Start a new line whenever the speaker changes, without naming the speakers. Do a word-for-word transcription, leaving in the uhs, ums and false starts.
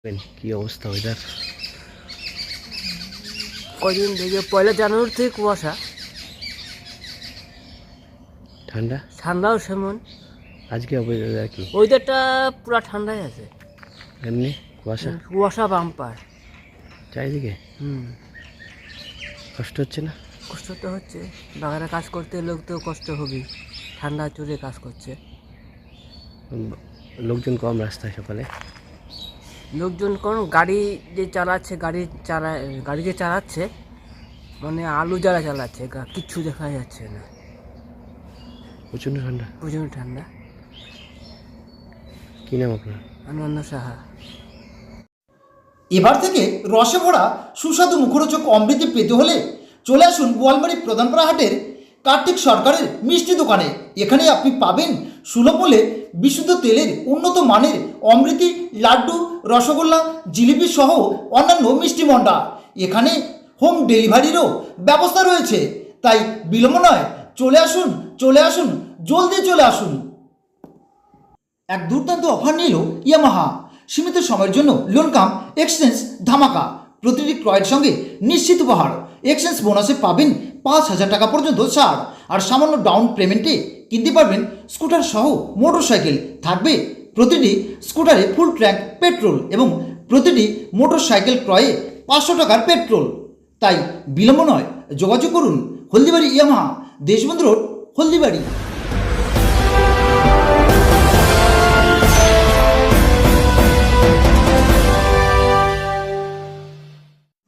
কি অবস্থা ওয়েদার?
কদিন থেকে পয়লা জানুয়ারি থেকে কুয়াশা,
ঠান্ডা
ঠান্ডাও সেমন।
আজকে ওয়েদার কি
ওয়েদারটা পুরো ঠান্ডাই আছে,
এমনি কুয়াশা
কুয়াশা বাম্পার।
চারিদিকে
হুম,
কষ্ট হচ্ছে না?
কষ্ট তো হচ্ছে, বাগানে কাজ করতে লোক তো কষ্ট হবেই, ঠান্ডা চলে কাজ করছে।
উম, লোকজন কম রাস্তায় সকালে।
লোকজন কোন গাড়ি যে চালাচ্ছে, গাড়ি চালা গাড়ি যে চালাচ্ছে মানে আলু জ্বালা চালাচ্ছে, গা- কিচ্ছু দেখা যাচ্ছে না,
প্রচণ্ড ঠান্ডা।
প্রচণ্ড ঠান্ডা।
কী নাম আপনার?
আনন্দ সাহা।
এবার থেকে রসে ভরা সুস্বাদু মুখরোচক অমৃতি পেতে হলে চলে আসুন বোয়ালমারী প্রধানপাড়া হাটের কার্তিক সরকারের মিষ্টি দোকানে। এখানে আপনি পাবেন সুলভ মূল্যে বিশুদ্ধ তেলের উন্নত মানের অমৃতি, লাড্ডু, রসগোল্লা, জিলিপি সহ অন্যান্য মিষ্টি মন্ডা। এখানে হোম ডেলিভারিরও ব্যবস্থা রয়েছে, তাই বিলম্ব নয়, চলে আসুন চলে আসুন জলদি চলে আসুন। এক দুর্দান্ত অফার নিল ইয়ামাহা। সীমিত সময়ের জন্য লোন কাম এক্সচেঞ্জ ধামাকা। প্রতিটি ক্রয়ের সঙ্গে নিশ্চিত উপহার। এক্সচেঞ্জ বোনাসে পাবেন পাঁচ হাজার টাকা পর্যন্ত ছাড়, আর সামান্য ডাউন পেমেন্টে কিনতে পারবেন স্কুটার সহ মোটর সাইকেল। থাকবে প্রতিটি স্কুটারে ফুল ট্যাঙ্ক পেট্রোল এবং প্রতিটি মোটর সাইকেল ক্রয়ে পাঁচশো টাকার পেট্রোল। তাই বিলম্ব নয়, যোগাযোগ করুন হলদিবাড়ি ইয়ামাহা, দেশবন্ধু রোড, হলদিবাড়ি।